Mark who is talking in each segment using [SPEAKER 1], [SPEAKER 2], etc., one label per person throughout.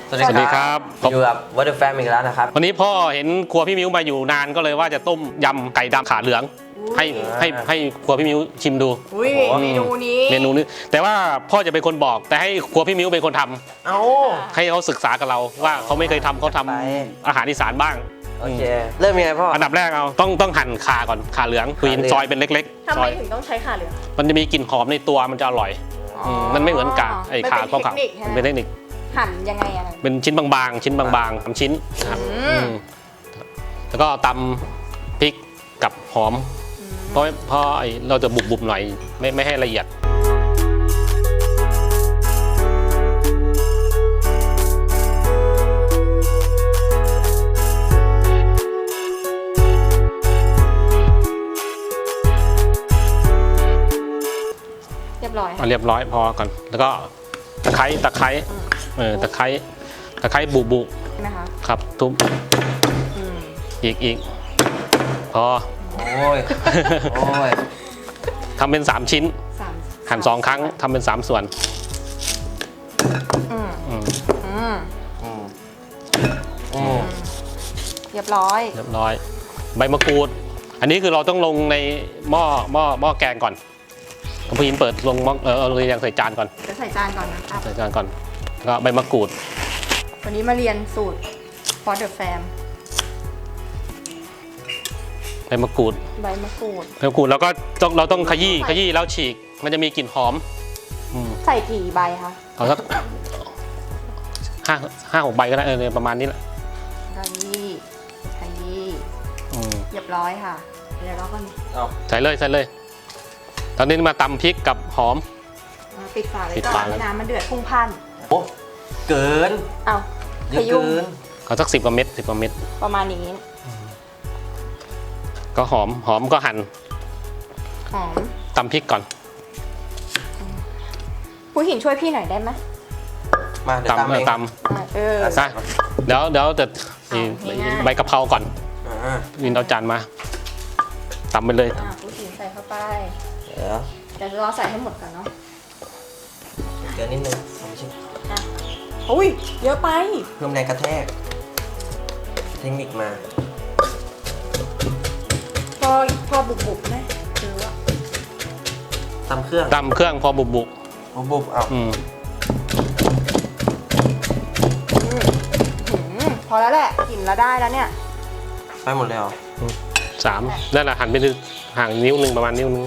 [SPEAKER 1] สวัสดีครับอยู่กับวอเตอร์แฟมอีกแล้วนะครับ
[SPEAKER 2] วันนี้พ่อเห็นครัวพี่มิ้วมาอยู่นานก็เลยว่าจะต้มยำไก่ดำขาเหลืองให้ครัวพี่มิ้วชิมดู
[SPEAKER 3] เมนูนี้
[SPEAKER 2] แต่ว่าพ่อจะเป็นคนบอกแต่ให้ครัวพี่มิ้วเป็นคนทำให้เขาศึกษากับเราว่าเขาไม่เคยทำเขาทำอาหารอีสานบ้าง
[SPEAKER 1] โอเคเริ่มยังไงพ่อ
[SPEAKER 2] อันดับแรกเอาต้องหั่นขาก่อนขาเหลืองควีนซอยเป็นเล็ก
[SPEAKER 3] ๆทำไมถึงต้องใช้ขาเหลือง
[SPEAKER 2] มันจะมีกลิ่นหอมในตัวมันจะอร่อยมันไม่เหมือนกากไอ้ขาเขาเขาเป็นเทคนิค
[SPEAKER 3] หั่นยังไงอะ
[SPEAKER 2] เป็นชิ้นบางๆชิ้นบางๆทำชิ้นครับแล้วก็ตำพริกกับหอมเพราะเราจะบุบๆหน่อยไม่ให้ละเอียด
[SPEAKER 3] เรียบ
[SPEAKER 2] ร้อยพอก่อนแล้วก็ตะไคร้ตะไคร้บุ
[SPEAKER 3] นะคะ
[SPEAKER 2] ครับทุบอีกพอ
[SPEAKER 1] โอ้ย
[SPEAKER 2] ทำเป็น3ชิ้นหั่น2ครั้งทำเป็น3ส่วน
[SPEAKER 3] เรียบร้อย
[SPEAKER 2] ใบมะกรูดอันนี้คือเราต้องลงในหม้อแกงก่อนพี่ยินเปิดลงหม้อเรายังใส่จานก่อน
[SPEAKER 3] จะใส่จานก่อนนะครับ
[SPEAKER 2] ใส่จานก่อนก็ใบมะกรูด
[SPEAKER 3] วันนี้มาเรียนสูตร for the fam
[SPEAKER 2] ใบมะกรูดแล้วก็เราต้องขยี้แล้วฉีกมันจะมีกลิ่นหอม
[SPEAKER 3] ใส่กี่ใบคะ
[SPEAKER 2] เอาสัก5-6 ใบก็ได้ประมาณนี้แหละ
[SPEAKER 3] ขยี้เรียบร้อยค่ะเดี๋ยวเราก็
[SPEAKER 2] ใส่เลยตอนนี้มาตำพริกกับหอม
[SPEAKER 3] ปิดฝาเลยก่อนให้น้ำมันเดือดพุ่งพัน
[SPEAKER 1] โอ้เกิน
[SPEAKER 3] เยอะเกิน
[SPEAKER 2] เอาสัก10 กว่าเม็ด
[SPEAKER 3] ประมาณนี้
[SPEAKER 2] ก็หอมก็หั่นตำพริกก่อน
[SPEAKER 3] ผู้หินช่วยพี่หน่อยได้ไหม
[SPEAKER 1] มาเดี๋ยวตำ
[SPEAKER 2] เดี๋ยวจะใบกะเพราก่อนวินเอาจานมาตำไปเลย
[SPEAKER 3] ผู้หินใส่เข้าไปเดี๋ยวเราใส่ให้หมดก่อนเนาะ
[SPEAKER 1] เดี๋ยวนิดนึงไม่ใช่
[SPEAKER 3] อุ้ยเยอะไป
[SPEAKER 1] เพิ่มแรงกระแทกเทคนิคมา
[SPEAKER 3] พอบุบไหมหรือว่า
[SPEAKER 1] ตำเครื่อง
[SPEAKER 2] พอบุบ
[SPEAKER 1] เอา
[SPEAKER 3] พอแล้วแหละกลิ่นแล้วได้แล้วเนี่ย
[SPEAKER 1] ไปหมดเลยเหรอ
[SPEAKER 2] 3นั่นแหละหั่นไปห่างนิ้วนึงประมาณนิ้วนึง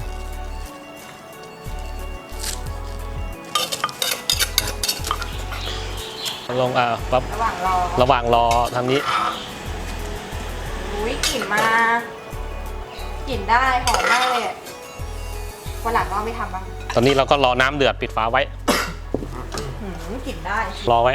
[SPEAKER 2] ลงปั๊บระหว่างรอทางนี้
[SPEAKER 3] อุ้ยกลิ่นได้หอมมากเลยวันหลังก็ไม่ทำบ้าง
[SPEAKER 2] ตอนนี้เราก็รอน้ำเดือดปิดฝาไว้
[SPEAKER 3] กลิ่นได้
[SPEAKER 2] รอไว้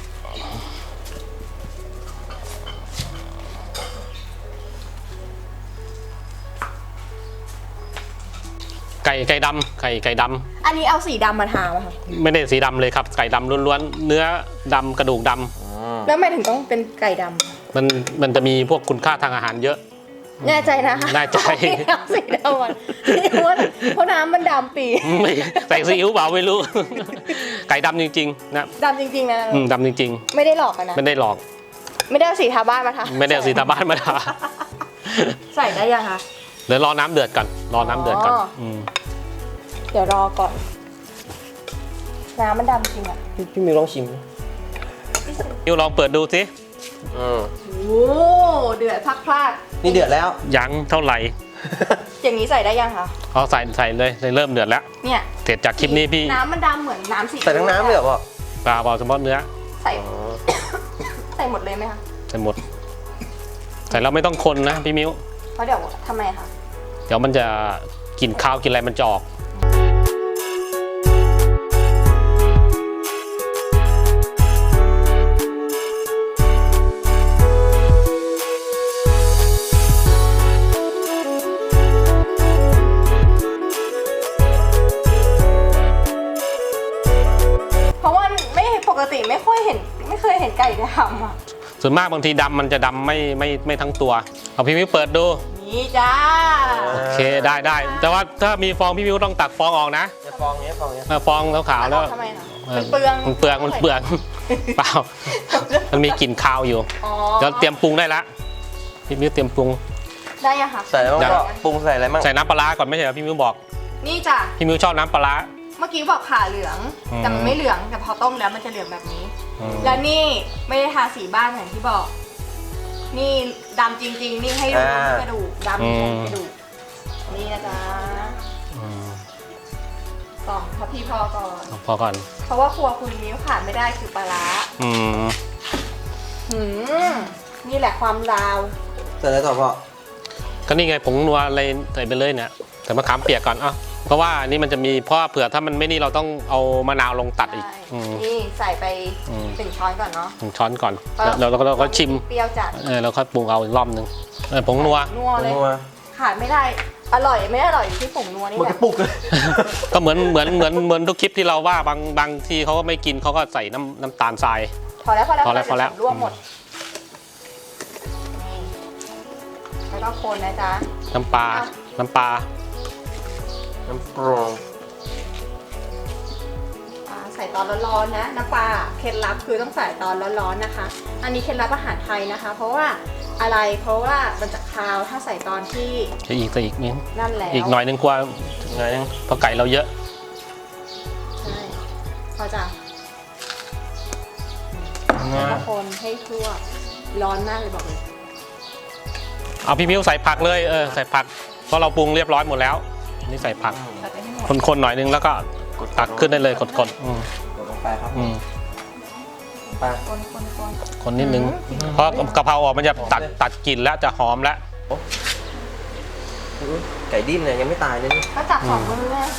[SPEAKER 2] ไก่ดำ
[SPEAKER 3] อันนี้เอาสีดำมาทาไหมคะ
[SPEAKER 2] ไม่ได้สีดำเลยครับไก่ดำล้วนๆเนื้อดำกระดูกด
[SPEAKER 3] ำแล้วทำไมถึงต้องเป็นไก่ด
[SPEAKER 2] ำมันจะมีพวกคุณค่าทางอาหารเยอะ
[SPEAKER 3] แน่ใจนะ
[SPEAKER 2] แน่ใจ
[SPEAKER 3] สีดำเพราะน้ำมันดำปี
[SPEAKER 2] ไม่ใส่ซีอิ๊วเปล่าไม่รู้ไก่ดำจริงๆนะ
[SPEAKER 3] ดำจริงๆนะ
[SPEAKER 2] ดำจริง
[SPEAKER 3] ๆไม่ได้หลอกกันนะ
[SPEAKER 2] ไม่ได้หลอก
[SPEAKER 3] ไม่ได้เอาสีทาบ้านมาทา
[SPEAKER 2] ไม่ได้เอาสีทาบ้านมาทา
[SPEAKER 3] ใส่ได้ยังคะ
[SPEAKER 2] เดี๋ยวรอน้ำเดือดก่อน
[SPEAKER 3] เดี๋ยวรอก่อนน้ำมันดำจริงอ่ะ
[SPEAKER 1] พี่มิวลองชิม
[SPEAKER 2] มิวลองเปิดดูสิ
[SPEAKER 3] โอ้เดือดพลาด
[SPEAKER 1] นี่เดือดแล้ว
[SPEAKER 2] ยังเท่าไหร่
[SPEAKER 3] อย่างนี้ใส่ได้ยังคะ
[SPEAKER 2] ใส่เลยเริ่มเดือดแล้ว
[SPEAKER 3] เนี่ย
[SPEAKER 2] เสร็จจากคลิปนี้พี่
[SPEAKER 3] น้ำมันดำเหมือนน้ำสี
[SPEAKER 1] ใส่ทั้งน้ำเลยเหรอพ่อ
[SPEAKER 2] เปล่าเฉพาะเนื้อ
[SPEAKER 3] ใส่หมดเลยไหมคะ
[SPEAKER 2] ใส่หมดใส่แล้วไม่ต้องคนนะพี่มิว
[SPEAKER 3] เพราะเดี๋ยวทำไมคะ
[SPEAKER 2] เดี๋ยวมันจะกินข้าวกินอะไรมันจะออก
[SPEAKER 3] ปกติไม่เคยเห็นไก่ดำอ่ะ
[SPEAKER 2] ส่วนมากบางทีดำมันจะดำไม่ทั้งตัวเอาพี่มิวเปิดดู
[SPEAKER 3] นี่จ้า
[SPEAKER 2] โอเคได้แต่ว่าถ้ามีฟองพี่มิวต้องตักฟองออกนะ
[SPEAKER 1] ฟองนี้
[SPEAKER 2] ฟองขาวแล้ว
[SPEAKER 3] ทำไมคะมันเปลือง
[SPEAKER 2] มันเปลืองเปล่ามันมีกลิ่นคาวอยู่
[SPEAKER 3] อ๋อ
[SPEAKER 2] เดี๋ยวเตรียมปรุงได้ละพี่มิ้วเตรียมปรุง
[SPEAKER 3] ได้ยังคะ
[SPEAKER 1] ใส่อะไรบ้างก็ปรุงใส่อะไรบ้าง
[SPEAKER 2] ใส่น้ำปลาร้าก่อนไม่ใช่เหรอพี่มิ้วบอก
[SPEAKER 3] นี่จ้ะ
[SPEAKER 2] พี่มิ้วชอบน้ำปลาร้า
[SPEAKER 3] เมื่อกี้บอกขาเหลือง
[SPEAKER 2] อืม
[SPEAKER 3] แต่มันไม่เหลืองแต่พอต้มแล้วมันจะเหลืองแบบนี้
[SPEAKER 2] อืม
[SPEAKER 3] แล้วนี่ไม่ได้ทาสีบ้านอย่างที่บอก นี่ดำจริง ๆ นี่ให้ดูที่กระดูกดำที่กระดูกนี่นะจ๊ะ
[SPEAKER 2] อืม
[SPEAKER 3] สองพอพี่พอก่อน
[SPEAKER 2] พอก่อน
[SPEAKER 3] เพราะว่าครัวคุณนิ้วขาดไม่ได้คือปลาร้า
[SPEAKER 2] อืม
[SPEAKER 3] หืมนี่แหละความลาว
[SPEAKER 1] ใส่อะไรต่อพ่อ
[SPEAKER 2] ก็นี่ไงผงนัวอะไรใส่ไปเลยเนี่ยใส่มะขามเปียกก่อนเพราะว่านี่มันจะมีเพราะว่าเผื่อถ้ามันไม่นี่เราต้องเอามะนาวลงตัดอีก
[SPEAKER 3] ใช่
[SPEAKER 2] อืม
[SPEAKER 3] นี่ใส่ไป
[SPEAKER 2] อืม
[SPEAKER 3] 1 ช้อนก่อนเนาะ
[SPEAKER 2] 1 ช้อนก่อนแล้วเราก็ชิม
[SPEAKER 3] เปรี้ยวจัด
[SPEAKER 2] เราค่อยปรุงเอาอีกรอบนึงผงนัว
[SPEAKER 3] นัวเลย
[SPEAKER 1] นัว
[SPEAKER 3] ขาดไม่ได้อร่อยไม่อร่อยอยู่ที่ผงนัวนี่
[SPEAKER 1] หมด
[SPEAKER 3] แห
[SPEAKER 1] ก
[SPEAKER 3] ละ
[SPEAKER 1] ระปุกเลย
[SPEAKER 2] ก็เหมือนทุกคลิปที่เราว่าบางที่เขาก็ไม่กินเขาก็ใส่น้ำตาลทราย
[SPEAKER 3] พอแล้ว
[SPEAKER 2] พอแล้ว
[SPEAKER 3] รวมหมดนี่แล้วก็คนนะจ๊ะ
[SPEAKER 2] น้ำปลา
[SPEAKER 1] น้ำปรุง
[SPEAKER 3] ใส่ตอนร้อนๆนะน้ำปลาเคล็ดลับคือต้องใส่ตอนร้อนๆนะคะ อันนี้เคล็ดลับอาหารไทยนะคะ เพราะว่าอะไรเพราะว่ามันจะคาวถ้าใส่ตอนที่
[SPEAKER 2] จะอีกนิด
[SPEAKER 3] นั่นแล้ว
[SPEAKER 2] อีกหน่อยนึงกว่า
[SPEAKER 1] ไงยัง
[SPEAKER 2] เพราะไก่เราเยอะ
[SPEAKER 3] ใช่พอจะแล้วก็คนให้ทั่วร้อนมากเลยบอกเลย
[SPEAKER 2] เอาพี่มิ้วใส่ผักเลยใส่ผักเพราะเราปรุงเรียบร้อยหมดแล้วนี่ใส่ผัก
[SPEAKER 3] ใส่ไปให้หมด
[SPEAKER 2] คนๆหน่อยนึงแล้วก็ตักขึ้นได้เลยกด
[SPEAKER 1] กดลงไปครับไป
[SPEAKER 2] คนนิดนึงเพราะกะเพราออกมันจะตัดกลิ่นแล้วจะหอมแล้ว
[SPEAKER 1] ไก่ดิ้นเนี่ยยังไม่ตายเลยนี่
[SPEAKER 3] ก็จับ2 มือเลย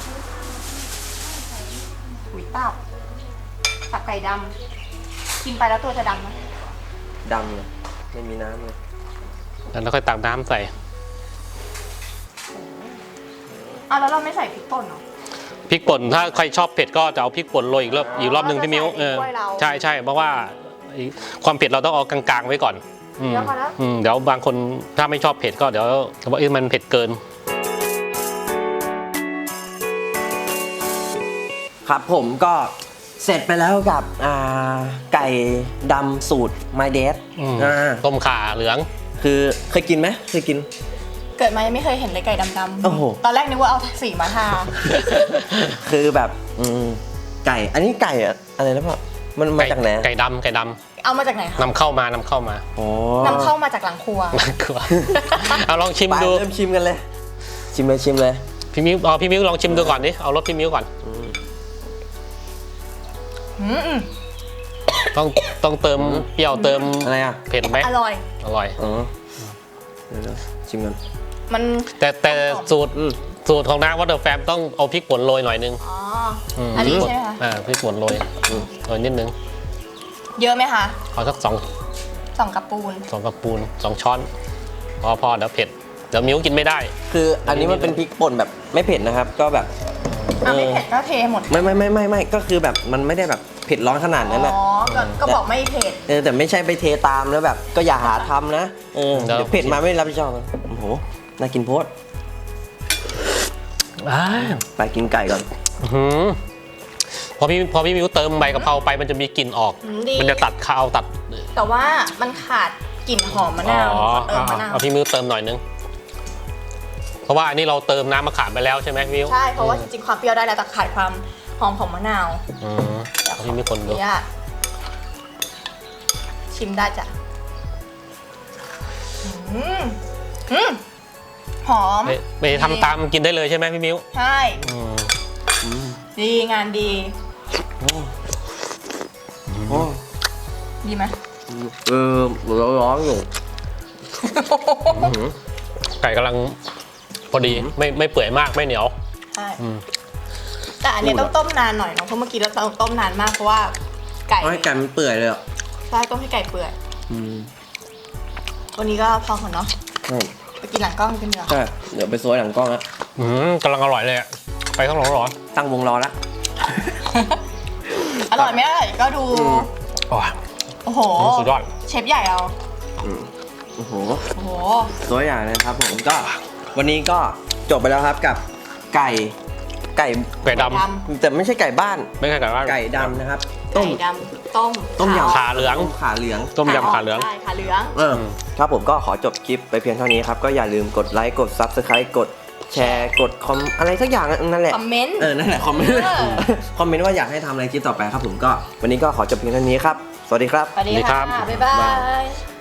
[SPEAKER 3] หุยตับไก่ดำกินไปแล้วตัวจะดำไหม
[SPEAKER 1] ดำเลยไม่มีน้ำเลย
[SPEAKER 2] แล้วค่อยตักน้ำใส่
[SPEAKER 3] แล้วเราไม่ใส่พริกป่นเหรอ
[SPEAKER 2] พริกป่นถ้าใครชอบเผ็ดก็จะเอาพริกป่นโรยอีกรอบนึงพี่มิ้ว
[SPEAKER 3] เราจะใส่ในถ้วยเรา
[SPEAKER 2] ใช่เพราะว่าความเผ็ดเราต้องเอากลางๆไว้ก่อน
[SPEAKER 3] เดี๋ยวพอแล้ว
[SPEAKER 2] เดี๋ยวบางคนถ้าไม่ชอบเผ็ดก็เดี๋ยวว่ามันเผ็ดเกิน
[SPEAKER 1] ครับผมก็เสร็จไปแล้วกับไก่ดำสูตร My Dad
[SPEAKER 2] ต้มข่าเหลือง
[SPEAKER 1] คือเคยกินไหมเคยกิน
[SPEAKER 3] เกิดมายังไม่เคยเห็นเลยไก่ดำ
[SPEAKER 1] โอ้โห
[SPEAKER 3] ตอนแรกนึกว่าเอาสีมาทา
[SPEAKER 1] คือแบบไก่อันนี้ไก่อะไรนะพ่อมันมาจากไหน
[SPEAKER 2] ไก่ดำ
[SPEAKER 3] เอามาจากไหนคะ
[SPEAKER 2] นำเข้ามา
[SPEAKER 1] โอ้
[SPEAKER 3] นำเข้ามาจากหลังครัว
[SPEAKER 2] น่ากลัวเอาลองชิม
[SPEAKER 1] ไป
[SPEAKER 2] ดู
[SPEAKER 1] เริ่มชิมกันเลย ชิมเลย
[SPEAKER 2] พี่มิ้วลองชิมดูก่อนดิเอารสพี่มิ้วก่อน ต้องเติมเปรี้ยวเติม
[SPEAKER 1] อะไรอ่ะ
[SPEAKER 2] เผ็ดไหม
[SPEAKER 3] อร่อย
[SPEAKER 2] อร่อย
[SPEAKER 1] อ๋อเดี๋ยวชิมกัน
[SPEAKER 3] มัน
[SPEAKER 2] แต่สูตรของน้ำวอเตอร์แฟมต้องเอาพริกป่นโรยหน่อยนึง
[SPEAKER 3] อันนี้ใช่ไหมคะ
[SPEAKER 2] พริกป่นโรยนิดนึง
[SPEAKER 3] เยอะไหมคะ
[SPEAKER 2] เอาสัก
[SPEAKER 3] 2 กระปูน
[SPEAKER 2] 2 กระปูน 2 ช้อนพอเดี๋ยวเผ็ดเดี๋ยวมิ้วกินไม่ได้
[SPEAKER 1] คืออันนี้มันเป็นพริกป่นแบบไม่เผ็ดนะครับ ก็แบบ
[SPEAKER 3] ไม่เผ็ดก็เทหมด
[SPEAKER 1] ไม่ก็คือแบบมันไม่ได้แบบเผ็ดร้อนขนาดนั้นอ่ะ
[SPEAKER 3] ก็บอกไม่เผ็ด
[SPEAKER 1] แต่ไม่ใช่ไปเทตามแล้วแบบ ก็อย่าหาทำนะ
[SPEAKER 2] เดี๋ยว
[SPEAKER 1] เดี๋ยวเผ็ดมาไม่รับผิดชอบโอ้โหน่ากินโพดไปกินไก่ก่อน
[SPEAKER 2] พอพี่มิ้วเติมใบกะเพราไปมันจะมีกลิ่นออก
[SPEAKER 3] ดี
[SPEAKER 2] มันจะตัดคาวตัด
[SPEAKER 3] แต่ว่ามันขาดกลิ่นหอมมะนาวเติมมะนาว
[SPEAKER 2] เอาพี่มิ้วเติมหน่อยนึงเพราะว่าอันนี้เราเติมน้ำมะขามไปแล้วใช่ไหมพี่มิ้ว
[SPEAKER 3] ใช่เพราะว่าจริงๆความเปรี้ยวได้แล้วแต่ขาดความหอมของมะนาว
[SPEAKER 2] เอาพี่มิ้วคนดู
[SPEAKER 3] เนี่ยชิมได้จ้ะหอม
[SPEAKER 2] ไปทำตามกินได้เลยใช่ไหมพี่มิ้ว
[SPEAKER 3] ใช่ดีงานดี ดีไหม
[SPEAKER 1] ร้อนอยู่
[SPEAKER 2] ไก่กำลังพอดีไม่เปื่อยมากไม่เหนียว
[SPEAKER 3] ใช่แต่อันนี้ต้องต้มนานหน่อยเนาะเพราะเมื่อกี้เราต้มนานมากเพราะว่าไก่
[SPEAKER 1] ให้ไก่มันเปื่อยเลยอ่ะ
[SPEAKER 3] ใช่ต้มให้ไก่เปื่อยวันนี้ก็พอก่อนเนาะไปกินหลังกล้องกันเดี๋ยว
[SPEAKER 1] ใช่เดี๋ยวไปโซยหลังกล้องแล้ว
[SPEAKER 2] กำลังอร่อยเลยอะไปข้างหลังร้อน
[SPEAKER 1] ตั้งวงรอแล้ว
[SPEAKER 3] อร่อยไหมอร่อยก็ดู โอ้โห
[SPEAKER 2] สุดยอด
[SPEAKER 3] เชฟใหญ่เรา
[SPEAKER 1] โอ้โห
[SPEAKER 3] โอ้โห
[SPEAKER 1] ตัวอย่างนะครับผมก็วันนี้ก็จบไปแล้วครับกับไก่ไก่
[SPEAKER 2] ไก่ด
[SPEAKER 1] แต่ไม่ใช่ไก่บ้าน
[SPEAKER 2] ำไม่ใช่ไก่บ้าน
[SPEAKER 1] ไก่ดำนะครับ
[SPEAKER 3] ไก่ดำต้ม
[SPEAKER 1] ยำ
[SPEAKER 2] ขาเหลือง
[SPEAKER 1] ขาเหลือง
[SPEAKER 2] ต้มยำขาเหลือง
[SPEAKER 3] ใช่ขาเหลือง
[SPEAKER 1] ครับผมก็ขอจบคลิปไปเพียงเท่านี้ครับ ก็อย่าลืมกดไลค์กด Subscribe กดแชร์กดคอมอะไรสักอย่างนั่นแหละ
[SPEAKER 3] คอมเมนต์
[SPEAKER 1] นั่นแหละคอมเมนต์ คอมเมนต์ว่าอยากให้ทำอะไรคลิปต่อไปครับผมก็วันนี้ก็ขอจบเพียงเท่านี้ครับ สวัสดีครับ
[SPEAKER 3] สวัสดี
[SPEAKER 2] สวัสดีครั
[SPEAKER 3] ค่ะ
[SPEAKER 2] บ
[SPEAKER 3] บ๊ายบาย